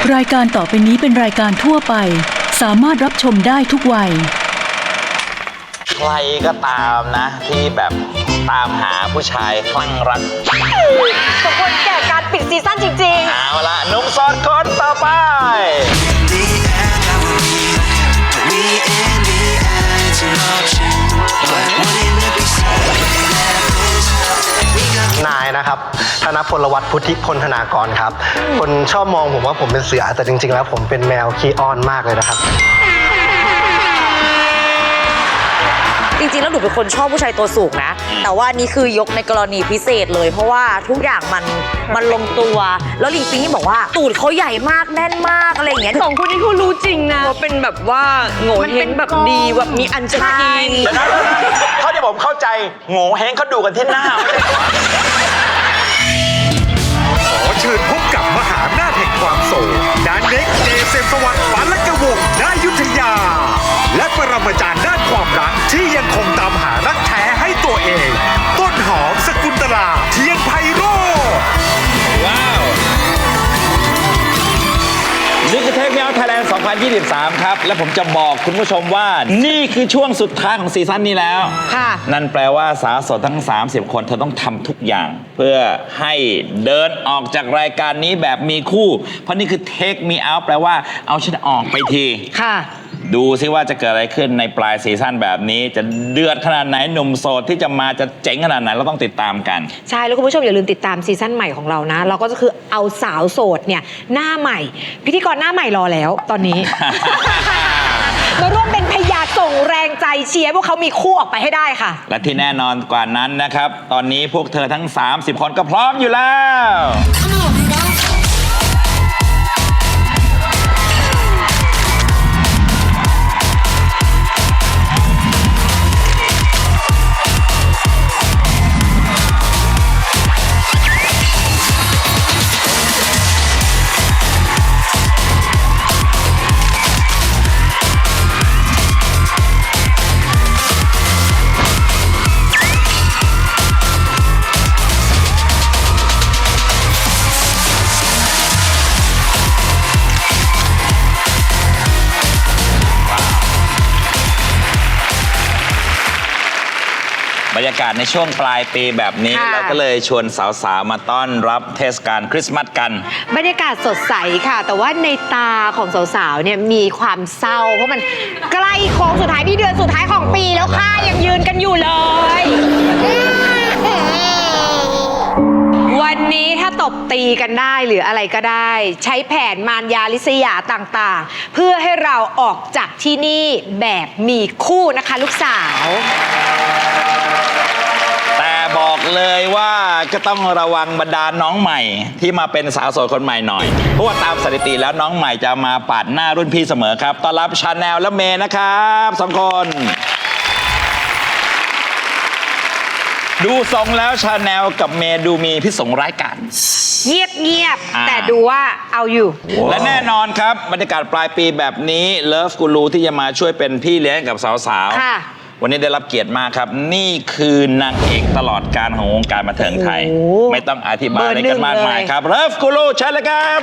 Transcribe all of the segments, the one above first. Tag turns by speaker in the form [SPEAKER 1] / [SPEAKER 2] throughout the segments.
[SPEAKER 1] รายการต่อไปนี้เป็นรายการทั่วไปสามารถรับชมได้ทุกวัย
[SPEAKER 2] ใครก็ตามนะที่แบบตามหาผู้ชายคลั่งรัก
[SPEAKER 3] สมควรแก่การปิดซีซั่นจริงๆ
[SPEAKER 2] เอาละหนุ่มโสดคนต่อไป
[SPEAKER 4] นายนะครับธนพลวัฒน์พุทธิพลธนากรครับคนชอบมองผมว่าผมเป็นเสือแต่จริงๆแล้วผมเป็นแมวขี้อ้อนมากเลยนะครับ
[SPEAKER 3] จริงๆแล้วหนูเป็นคนชอบผู้ชายตัวสูงนะแต่ว่านี่คือยกในกรณีพิเศษเลยเพราะว่าทุกอย่างมันลงตัวแล้วลิงปิงนี่บอกว่าตูดเขาใหญ่มากแน่นมากอะไรอย่างเงี้ย
[SPEAKER 5] สองคนนี้เขารู้จริงนะว่าเป็นแบบว่าโง่เฮงแบบดีแบบมีอันจะกิน
[SPEAKER 2] เท่าที่ผมเข้าใจโง่เฮงเขาดูกันที่หน้า
[SPEAKER 6] ขอเชิญพบกับมหาอำนาจแห่งความโศกดานเน็กเจเซมสวัสดิ์ปาลกวงศ์ณอยุธยาและปรมาจารย์ด้านความรักที่ยังคงตามหารักแท้ให้ตัวเองต้นหอมสกุลตลาเทียนไพโรจน์
[SPEAKER 2] ว้าวนี่คือเทคเมลไทยแลนด์2023 ครับและผมจะบอกคุณผู้ชมว่านี่คือช่วงสุดท้ายของซีซั่นนี้แล้ว
[SPEAKER 3] ค่ะ
[SPEAKER 2] นั่นแปลว่าสาวโสดทั้ง30คนเธอต้องทำทุกอย่างเพื่อให้เดินออกจากรายการนี้แบบมีคู่เพราะนี่คือ Take Me Out แปลว่าเอาฉันออกไปที
[SPEAKER 3] ค่ะ
[SPEAKER 2] ดูซิว่าจะเกิดอะไรขึ้นในปลายซีซั่นแบบนี้จะเดือดขนาดไหนหนุ่มโสดที่จะมาจะเจ๋งขนาดไหนเราต้องติดตามกัน
[SPEAKER 3] ใช่แล้วคุณผู้ชมอย่าลืมติดตามซีซั่นใหม่ของเรานะเราก็จะคือเอาสาวโสดเนี่ยหน้าใหม่พิธีกรหน้าใหม่รอแล้วตอนนี้ มาร่วมเป็นพยาส่งแรงใจเชียร์พวกเขามีคู่ออกไปให้ได้ค่ะ
[SPEAKER 2] และที่แน่นอนกว่านั้นนะครับตอนนี้พวกเธอทั้ง30คนก็พร้อมอยู่แล้วบรรยากาศในช่วงปลายปีแบบนี้เราก็เลยชวนสาวๆมาต้อนรับเทศกาลคริสต์มาสกัน
[SPEAKER 3] บรรยากาศสดใสค่ะแต่ว่าในตาของสาวๆเนี่ยมีความเศร้าเพราะมันใกล้โค้งสุดท้ายที่เดือนสุดท้ายของปีแล้วค่ะยังยืนกันอยู่เลยวันนี้ถ้าตบตีกันได้หรืออะไรก็ได้ใช้แผนมารยาลิษยาต่างๆเพื่อให้เราออกจากที่นี่แบบมีคู่นะคะลูกสาว
[SPEAKER 2] แต่บอกเลยว่าก็ต้องระวังบรรดาน้องใหม่ที่มาเป็นสาวโสดคนใหม่หน่อยเพราะว่าตามสถิติแล้วน้องใหม่จะมาปาดหน้ารุ่นพี่เสมอครับต้อนรับชาแนลและเมย์นะครับ2คนดูทรงแล้วชาแนลกับเมย์ดูมีพิษสงร้ายกาจ
[SPEAKER 3] เงียบแต่ดูว่าเอาอยู่
[SPEAKER 2] และแน่นอนครับบรรยากาศปลายปีแบบนี้เลิฟกูรูที่จะมาช่วยเป็นพี่เลี้ยงกับสาวๆวันนี้ได้รับเกียรติมากครับนี่คือนางเอกตลอดการของวงการบันเทิงไทยไม่ต้องอธิบายอะไรกันมากมายครับเลิฟกูรูเชิญเลยครับ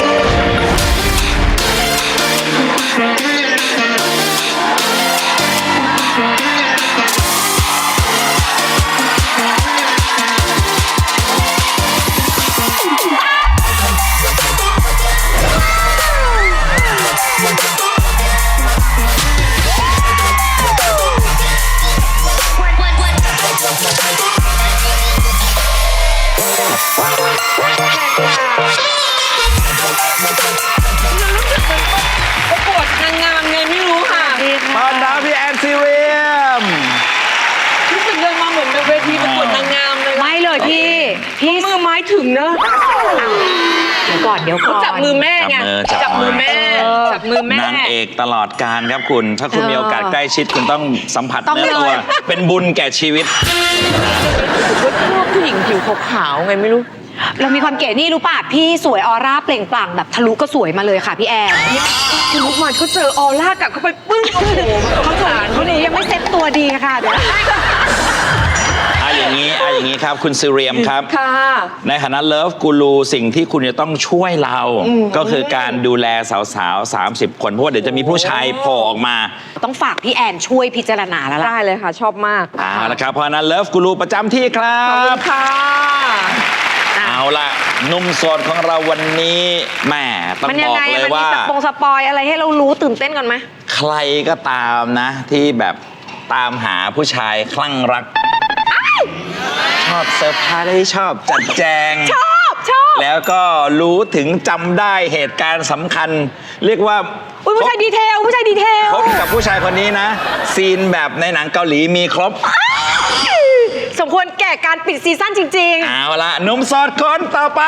[SPEAKER 5] ประกวดนางงามไงไม่รู้ค่ะ
[SPEAKER 2] ตอนรับพี่แอนซีเรียม
[SPEAKER 5] รู้สึกเดินมาเหมือนเป็นเวทีประกวดนางงามเลย
[SPEAKER 3] ไม่เลยพี่
[SPEAKER 5] มือไม้ถึงนะ
[SPEAKER 3] เดี๋ยวก่อน
[SPEAKER 5] จับมือแม่ไงจับมือแม่
[SPEAKER 2] นางเอกตลอดการครับคุณถ้าคุณมีโอกาสใกล้ชิดคุณต้องสัมผัสเนื้อตัวเป็นบุญแก่ชีวิต
[SPEAKER 5] ชอบผู้หญิงผิวขาวๆไงไม่รู้
[SPEAKER 3] เรามีความเก๋นี่รู้ป่ะพี่สวยออร่าเปล่งปลั่งแบบทะลุก็สวยมาเลยค่ะพี่แอน
[SPEAKER 5] คุณลูกมันเขาเจอออร่ากลับเข้าไปปึ้งโอ้โห
[SPEAKER 3] เขาสารเขาดียังไม่เซ็ตตัวดีค่ะเดี๋ยว
[SPEAKER 2] อย่างนี้อย่างนี้ครับคุณซิเรียมครับ
[SPEAKER 5] ค่ะ
[SPEAKER 2] ในฐานะเลิฟกูรูสิ่งที่คุณจะต้องช่วยเรา ก็คือการดูแลสาวๆ 30 คน เพราะว่าเดี๋ยวจะมีผู้ชายโผล่ออกมา
[SPEAKER 3] ต้องฝากพี่แอนช่วยพิจารณาแล้วล่ะ
[SPEAKER 5] ได้เลยค่ะ ชอบมาก
[SPEAKER 2] เอาละครับเพราะฉะนั้นเลิฟกูรูประจำที่ครั
[SPEAKER 5] ขอบคุณ
[SPEAKER 2] บ
[SPEAKER 5] ค่ะ
[SPEAKER 2] เอาล่ะหนุ่มโสดของเราวันนี้แหม่ต้อง
[SPEAKER 3] มัน
[SPEAKER 2] บ
[SPEAKER 3] ยัง
[SPEAKER 2] อก
[SPEAKER 3] ไง
[SPEAKER 2] เลย
[SPEAKER 3] มันมี
[SPEAKER 2] ว่า
[SPEAKER 3] สปอยอะไรให้เรารู้ตื่นเต้นก่อนไหม
[SPEAKER 2] ใครก็ตามนะ ที่แบบตามหาผู้ชายคลั่งรัก ชอบเซอร์ไพรส์ชอบจัดแจง
[SPEAKER 3] ชอบ
[SPEAKER 2] แล้วก็รู้ถึงจำได้เหตุการณ์สำคัญ เรียกว่า
[SPEAKER 3] อุ้ยผู้ชายดีเทล
[SPEAKER 2] พบกับผู้ชายคนนี้นะ ซีนแบบในหนังเกาหลีมีครบ
[SPEAKER 3] สมควรแก่การปิดซีซั่นจริง
[SPEAKER 2] เอาละหนุ่มโสดคนต่อไป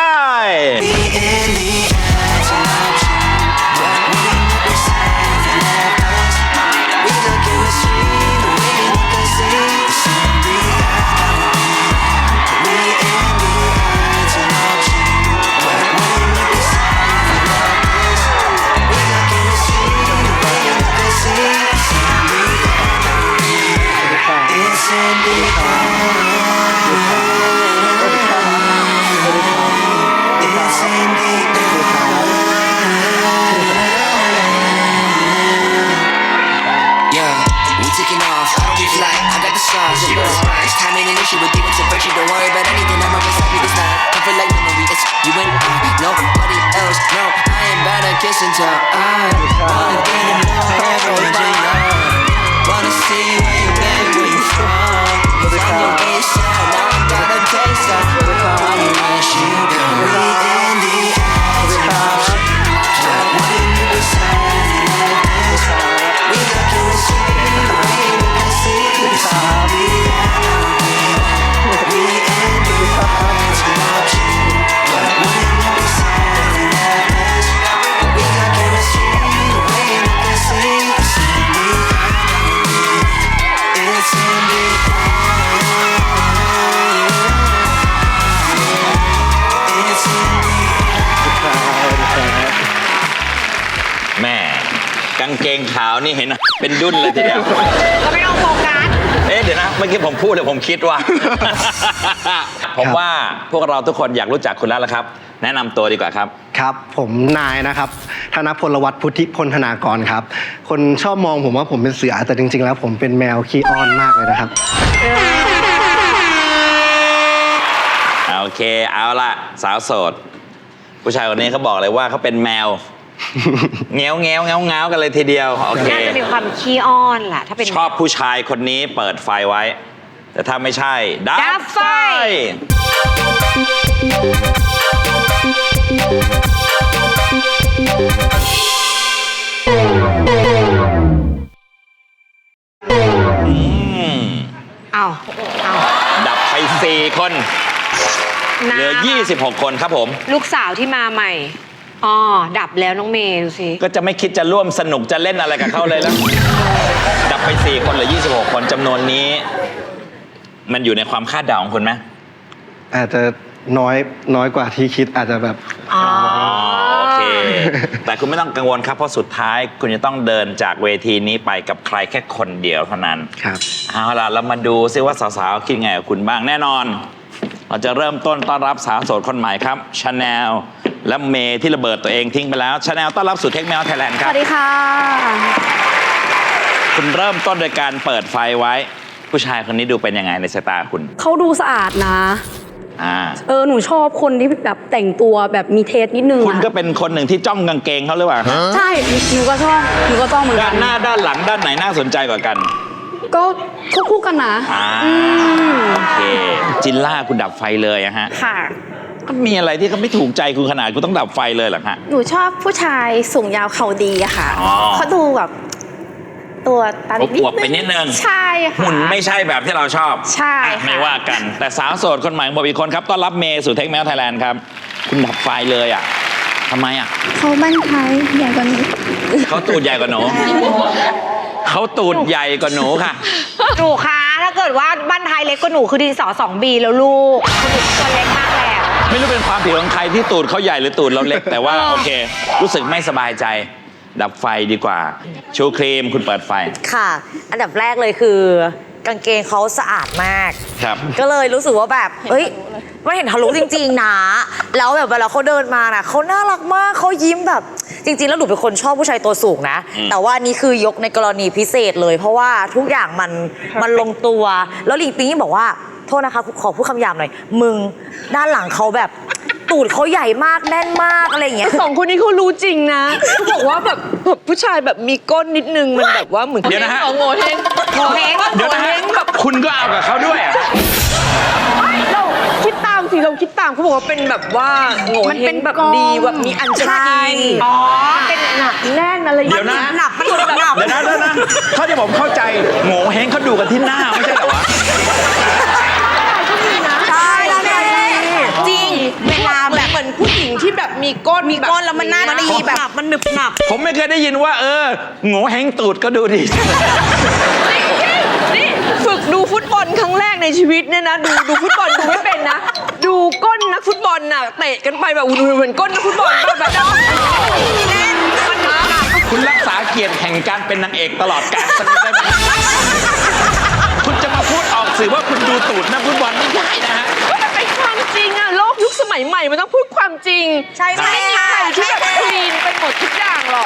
[SPEAKER 7] Yeah, we taking off. I don't be fly. I got the sauce. This time ain't an issue with deep into virtue. Don't worry about anything. I'm always happy this night. I feel like memory. It's you and I. Nobody else. No, I ain't about to kiss and tell. I wanna get to know every day. Wanna see where you been, where you from. It's on your wayside. Now I'm gonna taste that. Wanna rush you down. We in the eyes of option. Like when you beside me like this. We looking to see the way we can see. We in the eyes of option. Like when you beside me like this. We looking to see the way we can see. It's in the It's in the
[SPEAKER 2] แม่กางเกงขาวนี่เห็นเป็นดุ้นเลยทีเดียว
[SPEAKER 3] ๆ ก็ไม่ต้องโฟกัส
[SPEAKER 2] เดี๋ยวนะเมื่อกี้ผมพูดเลยผมคิดว่า ผมว่าพวกเราทุกคนอยากรู้จักคุณแล้วละครับ แนะนำตัวดีกว่าครับ
[SPEAKER 4] ครับผมนายนะครับธนพลวัฒน์พุทธิพลธนากรครับ คนชอบมองผมว่าผมเป็นเสือแต่จริงๆแล้วผมเป็นแมวขี้อ้อนมากเลยนะครับ
[SPEAKER 2] โอเคเอาละสาวโสด ผู้ชายคนนี้เขาบอกเลยว่าเขาเป็นแมว เงี้ยวเงี้ยวเงาเงากันเลยทีเดียวโอเค
[SPEAKER 3] น่าจะมีความขี้อ้อนแหละถ้าเป็น
[SPEAKER 2] ชอบผู้ชายคนนี้เปิดไฟไว้ แต่ถ้าไม่ใช่ดั
[SPEAKER 3] ดั
[SPEAKER 2] บบ
[SPEAKER 3] ไฟ
[SPEAKER 2] ไฟ
[SPEAKER 3] เอา
[SPEAKER 2] ดับไป4 คนเหลือ 26 คนครับผม
[SPEAKER 3] ลูกสาวที่มาใหม่อ๋อดับแล้วน้องเมย์ดูสิ
[SPEAKER 2] ก็จะไม่คิดจะร่วมสนุกจะเล่นอะไรกับเขาเลยแล้ว ดับไป 4 คนเหลือ 26 คนจำนวนนี้ มันอยู่ในความคาดเดาของคุณไหม
[SPEAKER 4] อาจจะน้อยกว่าที่คิดอาจจะแบบ
[SPEAKER 3] อ๋อ
[SPEAKER 2] โอเค แต่คุณไม่ต้องกังวลครับ เพราะสุดท้ายคุณจะต้องเดินจากเวทีนี้ไปกับใครแค่คนเดียวเท่านั้น
[SPEAKER 4] ครับ
[SPEAKER 2] เอาล่ะเรามาดูซิว่าสาวๆคิดไงกับคุณบ้างแน่นอน เราจะเริ่มต้นต้อนรับสาวโสดคนใหม่ครับชาแนลและเมย์ที่ระเบิดตัวเองทิ้งไปแล้วชาแนลต้อนรับสู่เทคแมวไทยแลนด์ค
[SPEAKER 5] ส
[SPEAKER 2] รับ
[SPEAKER 5] วัสดีค่ะ
[SPEAKER 2] คุณเริ่มต้นโดยการเปิดไฟไว้ ผู้ชายคนนี้ดูเป็นยังไงในสายตาคุณ
[SPEAKER 8] เขาดูสะอาดนะ หนูชอบคนที่แบบแต่งตัวแบบมีเทสนิดนึง
[SPEAKER 2] คุณก็เป็นคนหนึ่งที่จ้องกางเกงเขาหรือเปล่า
[SPEAKER 8] ใช่ หนูก็ชอบเหมือน
[SPEAKER 2] ด้า
[SPEAKER 8] กัน น
[SPEAKER 2] หน้าด้านหลังด้านไหนน่าสนใจกว่ากัน
[SPEAKER 8] ก็คู่กันนะ
[SPEAKER 2] โอเค จินล่าคุณดับไฟเลยอะฮะ
[SPEAKER 9] ค่ะ
[SPEAKER 2] ก็มีอะไรที่เขาไม่ถูกใจคุณขนาดคุณต้องดับไฟเลยเหรอฮะ
[SPEAKER 9] หนูชอบผู้ชายสูงยาวเขาดีอะค่ะ
[SPEAKER 2] อ๋อ
[SPEAKER 9] เขาดูแบบตัวตา
[SPEAKER 2] อวบๆไปนิดนึง
[SPEAKER 9] ใช่ค่ะ
[SPEAKER 2] หุ่นไม่ใช่แบบที่เราชอบ
[SPEAKER 9] ใช่
[SPEAKER 2] อ่ะ
[SPEAKER 9] ค่ะ
[SPEAKER 2] ไม่ว่ากัน แต่สาวโสดคนใหม่บอกอีกคนครับต้อนรับเมย์สู่เทคแมวไทยแลนด์ครับ คุณดับไฟเลยอ่ะทำไมอ่ะ
[SPEAKER 9] เขาบ้านท้ายใหญ่กว่าหนู
[SPEAKER 2] เขาตูดใหญ่กว่าหนูเขาตูดใหญ่กว่าหนูค่ะ
[SPEAKER 3] หนูคะถ้าเกิดว่าบ้านไทยเล็กกว่าหนูคือดินสอ 2B แล้วลูกคือหนูตัวเล็กมากแล้ว
[SPEAKER 2] ไม่รู้เป็นความผิดของใครที่ตูดเขาใหญ่หรือตูดเราเล็ก แต่ว่าโอเค รู้สึกไม่สบายใจ ดับไฟดีกว่า ชูครีมคุณเปิดไฟ
[SPEAKER 5] ค่ะ อันดับแรกเลยคือกางเกงเขาสะอาดมาก
[SPEAKER 2] ครับ
[SPEAKER 5] ก็เลยรู้สึกว่าแบบเฮ้ยมันเห็นทะลุจริงๆนะแล้วแบบเวลาเขาเดินมาน่ะเขาน่ารักมากเขายิ้มแบบจริงๆแล้วหนูเป็นคนชอบผู้ชายตัวสูงนะแต่ว่านี่คือยกในกรณีพิเศษเลย เพราะว่าทุกอย่างมันลงตัวแล้วลิงปิงบอกว่าโทษนะคะขอพูดคำหยาบหน่อยมึงด้านหลังเขาแบบตูดเขาใหญ่มากแน่นมากอะไรอย่างเงี้ย
[SPEAKER 3] สองคนนี้เขารู้จริงนะเขาบอกว่าแบบผู้ชายแบบมีก้นนิดนึงมันแบบว่าเหมือน
[SPEAKER 2] เดี๋ยวนะฮะ
[SPEAKER 3] โง่เฮงโง่เฮง
[SPEAKER 2] เดี๋ยวนะฮะคุณก็เอากับเขาด้วยอะ
[SPEAKER 3] เราคิดตามสิเราคิดตามเขาบอกว่าเป็นแบบว่าโง่เฮงแบบดีแบบมีอัญชลีอ๋อเป็นหนักแน่นอะไรอย่าง
[SPEAKER 2] เดี๋ยว
[SPEAKER 3] เงี้
[SPEAKER 2] นะ
[SPEAKER 3] ยหนักมันหนัก
[SPEAKER 2] เดี๋ยวนะเท่าที่ผมเข้าใจโง่เฮงเขาดูกันที่หน้าไม่ใช่เหรอวะ
[SPEAKER 5] ใช่แล้วเนี่ยจริงเวลาแบบ
[SPEAKER 3] เหมือนผู้หญิงที่แบบมีก้น
[SPEAKER 5] แล้วมันน่าดีแบบมันหนึบหนับ
[SPEAKER 2] ผมไม่เคยได้ยินว่าโง่เฮงตูดก็ดูดี
[SPEAKER 3] นี่ฝึกดูฟุตบอลครั้งแรกในชีวิตเนี่ยนะดูฟุตบอลดูไม่เป็นนะ ดูก้นนักฟุตบอลน่ะเตะกันไปแบบเหมือนก้นนักฟุตบอลแบบแน่นมันหนัก
[SPEAKER 2] คุณรักษาเกียรติแห่งการเป็นนางเอกตลอดกาลสักนิดได้ไหมคุณจะมาพูดออกสื่อว่าคุณดูตูดนักฟุตบอลไม่ได้นะฮะ
[SPEAKER 3] มันเป็นความจริงอะโลกยุคสมัยใหม่มันต้องพูดความจริง
[SPEAKER 5] ใช่ไหม
[SPEAKER 3] ไม่มีใครที่แบบคลีนไปหมดทุกอย่างหรอก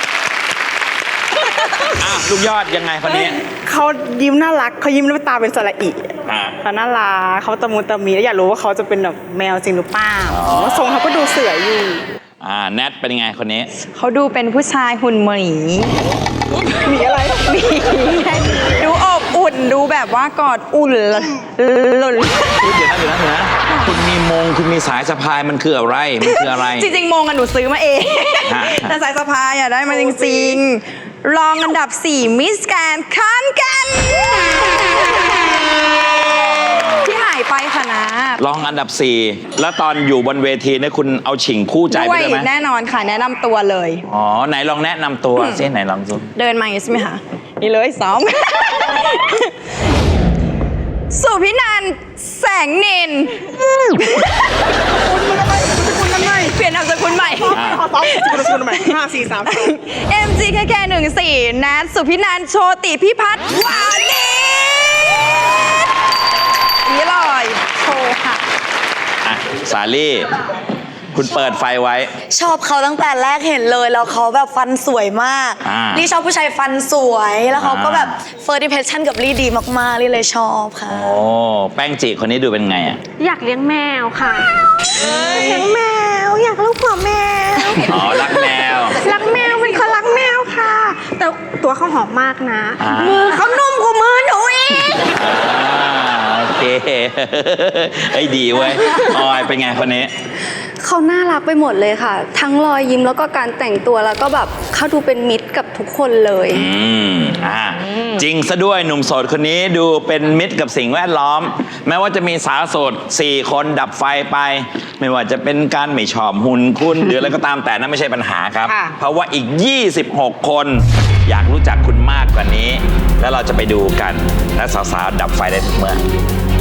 [SPEAKER 2] ลูกยอดยังไงคนนี้
[SPEAKER 10] เขายิ้มน่ารักเขายิ้มแล้วตาเป็นสระอิเขาน่ารักเขาตะมูตะมีแล้วอยากรู้ว่าเขาจะเป็นแบบแมวจริงหรือเปล่าทรงเขาก็ดูเสืออยู่
[SPEAKER 2] แนทเป็นยังไงคนนี้
[SPEAKER 8] เขาดูเป็นผู้ชายหุ่นหมีหมีอะไรหมีดูอบอุ่นดูแบบว่ากอดอุ่นหล่น
[SPEAKER 2] เดี๋ยวนะคุณมีมงคุณมีสายสะพายมันคืออะไร
[SPEAKER 8] จริงๆมงอะหนูซื้อมาเอง
[SPEAKER 2] ฮะ
[SPEAKER 8] แต่สายสะพายอะได้มาจริงๆรองอันดับ 4 มิสแกรนด์ขอนแก่นที่หายไปค่ะนะ
[SPEAKER 2] รองอันดับ 4 แล้วตอนอยู่บนเวทีเนี่ยคุณเอาฉิงคู่ใจไป
[SPEAKER 8] ด้วย
[SPEAKER 2] ด้วยไหม
[SPEAKER 8] แน่นอนค่ะแนะนำตัวเลย
[SPEAKER 2] อ๋อไหนลองแนะนำตัวซิไหนลองดู
[SPEAKER 8] เดินมาอย่างนี้ใช่ไหมคะนี่เลยซ้อม สุพินันท์แสงนินเปลี่ยนนามสกุลใหม่
[SPEAKER 10] คุณใหม่5 4 3
[SPEAKER 8] MGKK 14นัทสุพินันท์โชติพิพัฒน์วานิชนี่เลยโชว์ค่ะ
[SPEAKER 2] สาลี่ คุณเปิดไฟไว้
[SPEAKER 5] ชอบเขาตั้งแต่แรกเห็นเลยแล้วเขาแบบฟันสวยมาก ลี่ชอบผู้ชายฟันสวยแล้วเขาก็แบบเฟิร์สอิมเพรสชั่นกับลี่ดีมากๆลี่เลยชอบค่ะ
[SPEAKER 2] โอ้แป้งจีคนนี้ดูเป็นไงอ่ะ
[SPEAKER 9] อยากเลี้ยงแมวค่ะ
[SPEAKER 5] เลี้ยงแมวอยากลูกหัวแมว
[SPEAKER 2] อ๋อรักแมว
[SPEAKER 9] รักแมวเป็นคนรักแมวค่ะ แต่ตัวเขาหอมมากนะ
[SPEAKER 5] มือเขานุ่มกว่ามือหนูอีก
[SPEAKER 2] โอเคไอ้ยดีเว้ยออยเป็นไงคนนี้
[SPEAKER 8] เขาน่ารักไปหมดเลยค่ะ ทั้งรอยยิ้มแล้วก็การแต่งตัวแล้วก็แบบเขาดูเป็นมิตรกับทุกคนเลย
[SPEAKER 2] จริงซะด้วยหนุ่มโสดคนนี้ดูเป็นมิตรกับสิ่งแวดล้อม แม้ว่าจะมีสาวโสด 4 คนดับไฟไป ไม่ว่าจะเป็นการไม่ชอบหุ่นคุณ หรืออะไรก็ตามแต่นั่นไม่ใช่ปัญหาครับ เพราะว่าอีก 26 คนอยากรู้จักคุณมากกว่านี้ แล้วเราจะไปดูกันและสาวๆดับไฟได้ทุกเมื่อ